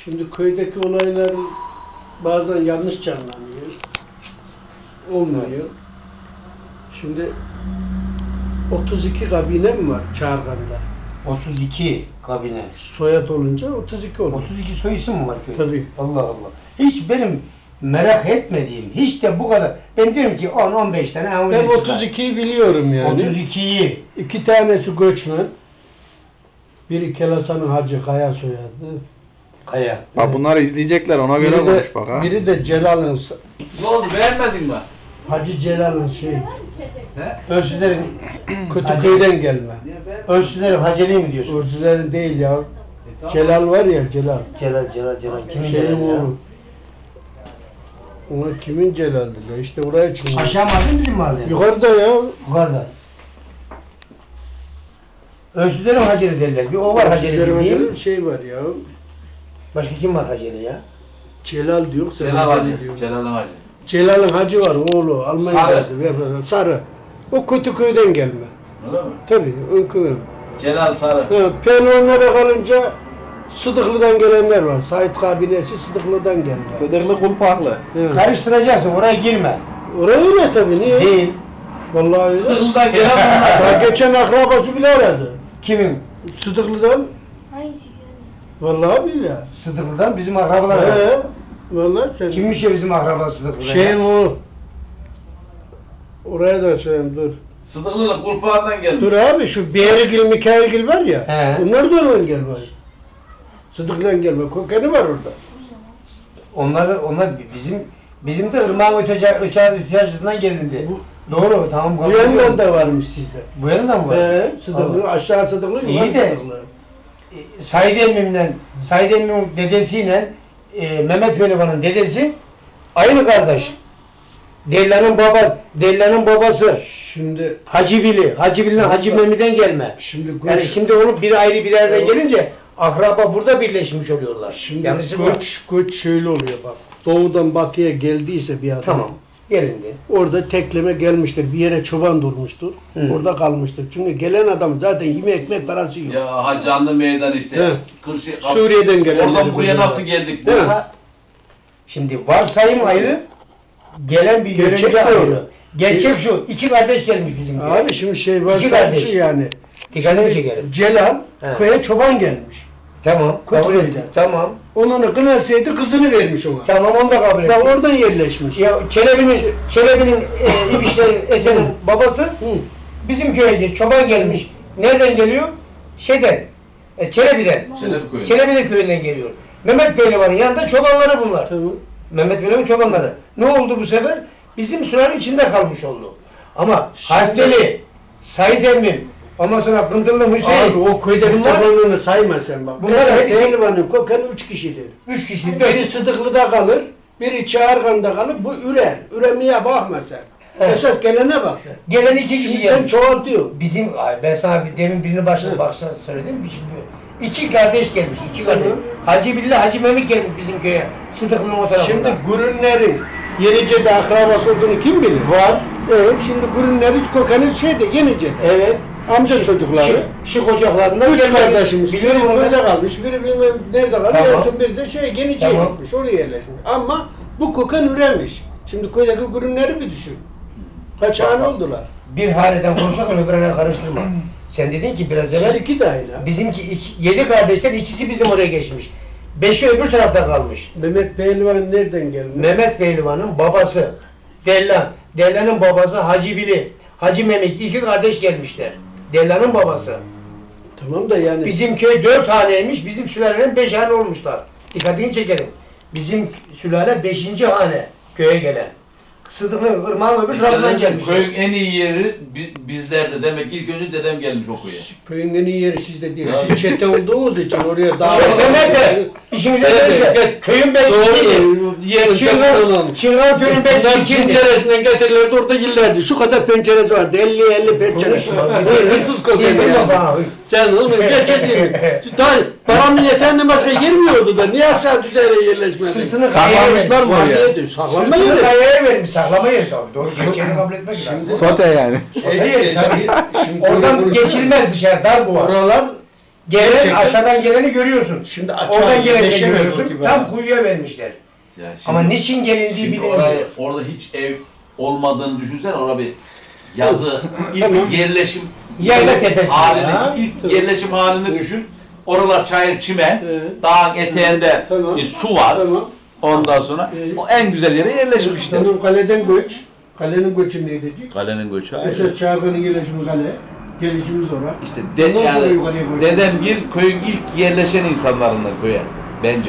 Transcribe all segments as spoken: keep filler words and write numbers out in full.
Şimdi köydeki olaylar bazen yanlış canlanıyor. Olmuyor. Şimdi otuz iki kabine mi var Çağırgan'da? otuz iki kabine. Soyad olunca otuz iki olur. otuz iki soy isim mi var köyde? Tabii. Allah Allah. Hiç benim merak etmediğim, hiç de bu kadar. Ben diyorum ki on on beş tane. Ben otuz ikiyi biliyorum yani. otuz ikiyi. İki tanesi göçmen. Biri Kelasan'ın Hacı Kaya soyadı. Kaya. Bak Evet. bunları izleyecekler ona Biri göre de, konuş bak ha. biri de Celal'ın Ne oldu, beğenmedin mi? Hacı Celal'ın şey He? Ölçülerin Kötüköy'den gelme. Ölçülerin Haceli mi diyorsun? Urcuların değil ya. E, tamam. Celal var ya Celal. Celal, Celal, Celal. Kimin Şeyin Celal ya? oğlu. Ona kimin Celal'di ya? İşte oraya çıkıyor. Aşağı mahalle bizim mahalle. Yukarıda ya. Yukarıda. Ölçülerin Haceli derler. Bir o var Haceli Urcuların değil mi? Hacı'nın şey var ya. Başka kim var Haceli ya? Celal diyor. sen Celal Hacı Hacı. diyorsun. Celal'ın Hacı. Celal'ın hacı var oğlu. Almanya'da. Sarı. Sarı. O Kötüköy'den gelme. Öyle mi? Tabii. Önkıver. Celal Sarı. Pelonlara kalınca Sıdıklı'dan gelenler var. Sait kabinesi Sıdıklı'dan gelme. Sıdırlı kulpaklı. Evet. Karıştıracaksın, oraya girme. Oraya öyle tabii. Niye? Değil. Vallahi öyle. Sıdıklı'dan gelen bunlar. Daha geçen akrabası bile aradı. Kimin? Sıdıklı'dan. Vallahi billahi. Sıdıklı'dan bizim akrabalar var. He. Vallahi sen. Kimmiş ya bizim akraba Sıdıklı'dan? Şeyin ya? o. Oraya da söyleyeyim dur. Sıdıklı'nın kurpağından geldi. Dur abi şu Beyrigil, Mikailgil var ya. He. Onlar da oradan gelme. Sıdıklı'dan gelme. Kökeni var orada. Onlar, onlar bizim bizim de ırmağın öteci, ötecisinden gelindi. Bu- Doğru, tamam. Bu yandan da varmış sizde. Bu yandan mı var? He. Sıdıklı, Allah. aşağı Sıdıklı, İyi yukarı de- Sıdıklı. E, Said Emmim'le, Said Emmim'in dedesiyle e, Mehmet Velivan'ın dedesi aynı kardeş. Dellan'ın baba, Dellan'ın babası Şimdi Hacı Bili, Hacı Bili'nin Hacı Mehmet'den gelme. Şimdi Yani göç, şimdi onu bir ayrı bir yerden Evet. gelince akraba burada birleşmiş oluyorlar. şimdi Yanlışı var. göç, göç şöyle oluyor bak. Doğudan batıya geldiyse bir adam. Tamam. Gelindi. Orada tekleme gelmiştir. Bir yere çoban durmuştur. Hı. Orada kalmıştır. Çünkü gelen adam zaten yeme ekmek parası yok. Ya ha canlı meydan işte. He. Kırşı, Suriye'den gelenleri Oradan buraya bunlar. nasıl geldik? Değil mi? Ha? Şimdi varsayım ayrı, gelen bir Gerçek yörünge doğru. ayrı. Gerçek şu, iki kardeş gelmiş bizim köye. Abi şimdi şey var İki sanki kardeş. yani. Dikkatimi Şey, çekerim. Celal He. köye çoban gelmiş. Tamam, kabul Kötü ettim. beyler. Tamam. Onun kınasıydı kızını vermiş ona. Tamam, onu da kabul Daha ettim. oradan yerleşmiş. Ya Çelebi'nin, Çelebi'nin, e, İbişler'in, Esen'in babası Hı. bizim köyde çoban gelmiş. Nereden geliyor? Şeyden, e, Çelebi'den. Çelebi köyü. Çelebi'nin köyünden geliyor. Mehmet Pehlivan'ın yanında çobanları bunlar. Tamam. Mehmet Pehlivan'ın çobanları. Ne oldu bu sefer? Bizim sürenin içinde kalmış oldu. Ama Şimdi- Hasbeli, Said Emmim, ondan sonra Kındırlı Hüseyin. Abi o köyde bunlar çobanlığını sayma sen bak. Bunlar Bunlar hepsi- Pehlivan'ın kökeni üç kişidir. üç kişi. Biri Sıdıklı'da kalır, biri Çağırgan'da kalır, bu ürer. Üremeye bakma sen. Evet. Esas gelene bak sen. Gelen iki kişi Şimdi sen gelmiş. çoğaltıyor. Bizim, ay ben sana bir, demin birini başladı Evet. baksana söyledim. Şimdi iki kardeş gelmiş, iki kardeş. Tamam. Hacı Billah, Hacı Mehmet gelmiş bizim köye. Sıdıklı'nın o tarafına. Şimdi Gürünler'in Yenice'de akrabası olduğunu kim bilir? var. Evet, şimdi Gürünler'in kökeni şeyde, Yenice'de. Evet. Amca çocukları. Şık ocaklarından Üç gelmiş. kardeşimiz. Biliyorum Biri onu. böyle kalmış, biri bilmem nerede kalmış, Tamam. en son biri de şey, Yenice'ye Tamam. gitmiş, oraya yerleşmiş. Ama bu köken üremiş. Şimdi köydeki Gürünler'i bir düşün. Kaç Bak, hane bak. oldular? Bir haneden konuşalım öbürüne karıştırma. Sen dedin ki biraz Siz evvel iki de aynı. bizimki iki, yedi kardeşten ikisi bizim oraya geçmiş. Beşi öbür tarafta kalmış. Mehmet Pehlivan nereden gelmiş? Mehmet Pehlivan'ın babası Dellan. Dellan'ın babası Hacı Bili. Hacı Mehmet iki kardeş gelmişler. Dellan'ın babası. Tamam da yani. Bizim köy dört haneymiş, bizim sülalenin beş hane olmuşlar. Dikkatini çekelim. Bizim sülale beşinci hane köye gelen. Sıdıklı Irmak'ın öbür tarafından gelmiş. Köyün en iyi yeri bi- bizlerde. Demek ilk önce dedem gelmiş o köye. Köyün en iyi yeri sizde değil. Ya. Siz çete olduğunuz için oraya daha... Şey, nerede? İşimize Evet, gelirse, evet. köyün beşinciydi. Doğru. Yer Çırgan, Çırgan köyün Bunlar beşinciydi. penceresinden getirirlerdi, orada girlerdi. Şu kadar penceresi vardı, elli elli penceresi vardı. Hırsız kokuyordu ya. Sen oğlum geçeceksin. Daha paranın yeterli başka girmiyordu da. Niye aşağı düzeye yerleşmedin? Sırtını Saklamışlar mı oraya? Saklanma Sırtını yeri. kayaya vermiş, saklama yeri tabii. Doğru, geçeni kabul etmek lazım. Sote yani. Hayır, tabii. Şimdi Oradan burası- geçilmez dışarı, dar bu var. Oralar Gelen, Gerçekten- aşağıdan geleni görüyorsun. Şimdi açığa Oradan geleni yerleşemiyor görüyorsun. gibi Tam adam. kuyuya vermişler. Ya şimdi- Ama niçin gelindiği Şimdi bilinmiyor. oraya, orada hiç ev olmadığını düşünsen orada bir yazı ilk Tamam. yerleşim Yayla tepesi halini, ya. ilk Tamam. yerleşim halini düşün. Oralar çayır çimen, Evet. dağın eteğinde Tamam. bir su var. Tamam. Ondan sonra Evet. o en güzel yere yerleşmişler. Tamam, kaleden göç. Kalenin göçü neydi? Kalenin göçü Mesela Çağrı'nın gelişimi kale. Gelişimiz oraya. İşte de, Ondan sonra yani yukarıya koyacağız. dedem bir köyün ilk yerleşen insanlarından köye bence.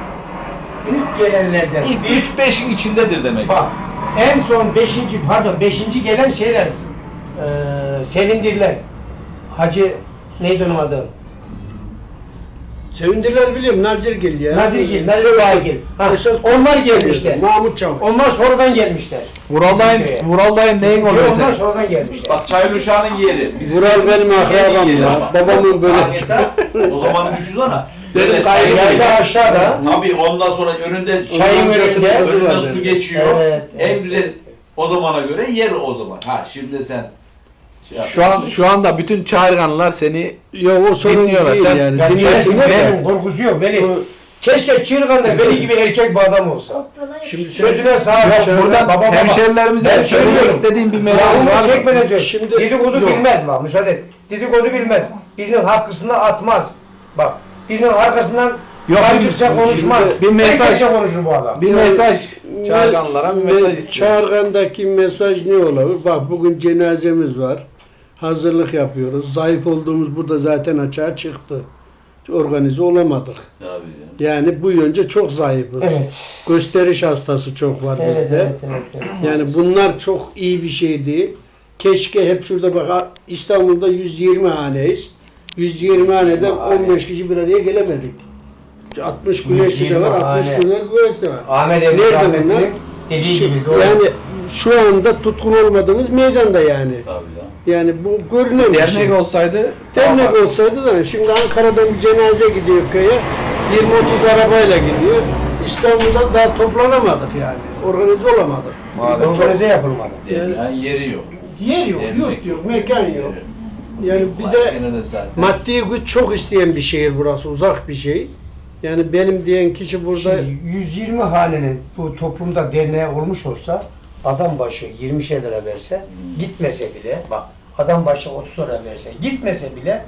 İlk gelenlerden. İlk üç beşin içindedir demek. Bak en son beşinci pardon beşinci gelen şeyler eee Sevindirler. Hacı neydi onun adı? Sevindirler biliyorum. Nazirgil ya. Nazirgil, Nazir Bağgil. Ha, Esas onlar gelmişler. Mahmut Çavuş. Onlar sonradan gelmişler. Vural dayın, Vural dayın neyin Yok, oluyor onlar sen? sonradan gelmişler. Bak Çayıruşağı'nın yeri. Bizim Vural benim akrabam yeri ya. ama. Babamın böyle- Hakikaten, o zaman düşünsene. Dedim, Dedim kaydı Yayda aşağıda. Tabii ondan sonra önünde Çayın önünde. önünden su geçiyor. Evet, En evet. güzel o zamana göre yer o zaman. Ha şimdi sen şey yap. Şu an şu anda bütün çağırganlar seni Yok o sorun Dinliyorlar, değil sen- yani. Yani Dinlesinler de. benim korkusu yok. Veli. O- Keşke Çırgan'da Veli gibi erkek bir adam olsa. Şimdi sen- Sözüne sahip Yok, çıkıyor. buradan Baba, baba. hemşerilerimize Ben söylemek söylüyorum. istediğim bir Ya mesaj onu var mı? çekmeden söyle. Şimdi- Dedikodu Yok. bilmez bak müsaade et. Dedikodu bilmez. Birinin hakkısını atmaz. Bak birinin arkasından Yok, kancıkça şimdi- konuşmaz. bir mesaj- Herkese konuşur bu adam. Bir mesaj çağırganlara bir mesaj istiyorum. Çağırgan'daki mesaj ne olabilir? Bak bugün cenazemiz var. Hazırlık yapıyoruz. Zayıf olduğumuz burada zaten açığa çıktı. Organize olamadık. Tabii ya. Yani bu yönce çok zayıfız. Evet. Gösteriş hastası çok var Evet, bizde. evet, evet, evet. Yani bunlar çok iyi bir şey değil. Keşke hep şurada bak İstanbul'da yüz yirmi haneyiz. yüz yirmi haneden on beş kişi bir araya gelemedik. altmış güneşi de var, altmış hane. güneş güneşi de var. Ahmet Emre Nerede Ahmet'in bunlar? dediği Şu- gibi doğru. Yani şu anda tutkun olmadığımız meydanda yani. Tabii ya. Yani bu görünen bir şey. Dernek olsaydı Dernek olsaydı da şimdi Ankara'dan bir cenaze gidiyor köye. yirmi otuz arabayla gidiyor. İstanbul'da daha toplanamadık yani. Organize olamadık. Maalesef. Organize yapılmadı. Demeyen yeri yok. Yer yok, Dernek yurt yok, mekan yok. Yani bir Bak, de gene de zaten. maddi güç çok isteyen bir şehir burası, uzak bir şey. Yani benim diyen kişi burada Şimdi yüz yirmi hanenin bu toplumda derneği olmuş olsa adam başı yirmişer lira verse gitmese bile bak adam başı otuz lira verse gitmese bile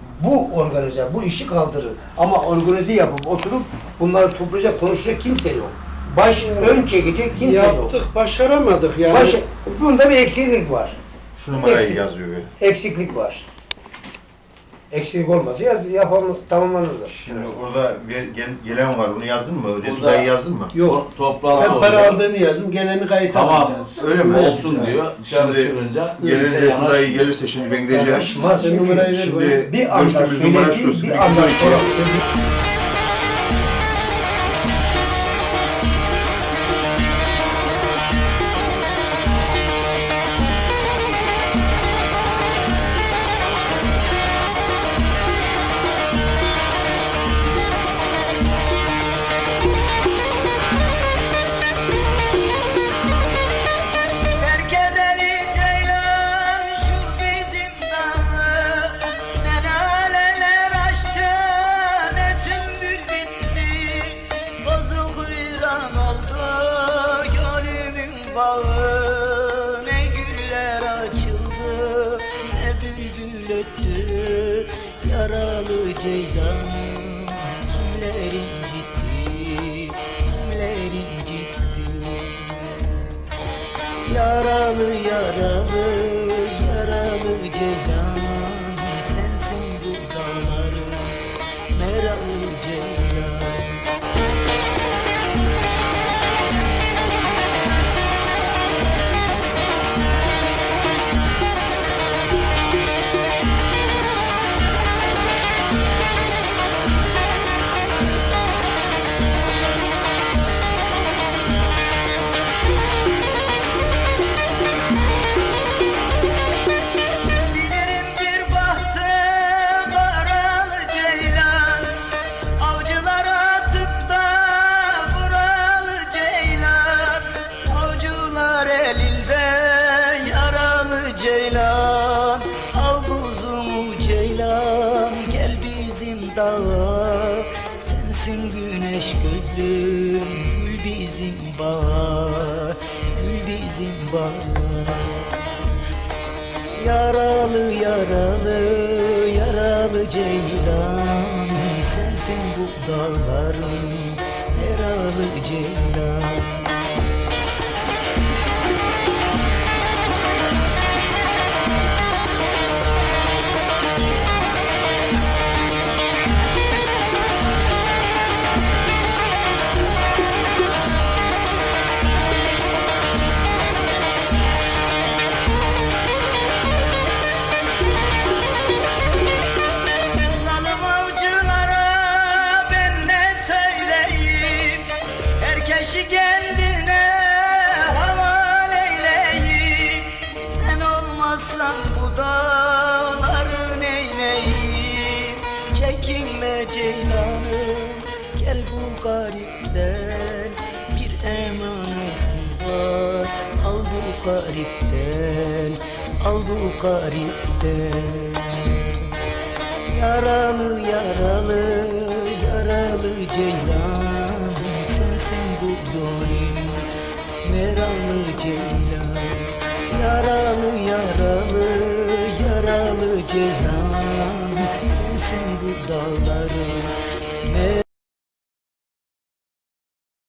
bu organize bu işi kaldırır. Ama organize yapıp oturup bunları toplayacak konuşacak kimse yok. Baş ön çekecek kimse yaptık, yok. başaramadık yani. Baş, bunda bir eksiklik var. Şu numarayı Eksik. yazıyor. böyle. Eksiklik var. Eksiklik olmasa yaz, yapalım, tamamlanırlar. Şimdi orada bir gel- gelen var. Bunu yazdın mı? Resul Burada- dayı yazdın mı? Yok. Toplantı Ben para oluyor. aldığını yazdım, geleni kayıt Tamam. aldım. Öyle mi? Olsun diyor. Dışarı Şimdi çıkınca. gelen kimse Resul yanaş- dayı gelirse şimdi ben gideceğim. Yanaşmaz Sen çünkü numarayı ver bana. Şimdi bir anda görüştüğümüz numara söylediği şu. bir sıfır anda iki iki. sonra Terk edeli ceylan şu bizim dağı, ne laleler açtı ne sümbül bitti. Bozuk viran oldu gönlümün bağı, ne güller açıldı ne bülbül öttü. Yaralı ceylanım kimler incitti, kimler incitti. Yaralı yaralı yaralı ceylan, sensin bu dağların meralı ceylan. dağa, sensin güneş gözlüm, gül bizim bahar, gül bizim bahar. Yaralı yaralı yaralı ceylan, sensin bu dağların yaralı ceylan. Zalim avcılara ben ne söyleyeyim, herkesi kendine havale eyleyim. Sen olmazsan bu dağları neyleyim? Çekinme ceylanım, gel bu garipten, bir emanetim var, al bu garipten, al bu garipten. Yaralı yaralı yaralı ceylan, sensin bu gönlüm meralı ceylan. Yaralı yaralı yaralı ceylan, sensin bu dağlar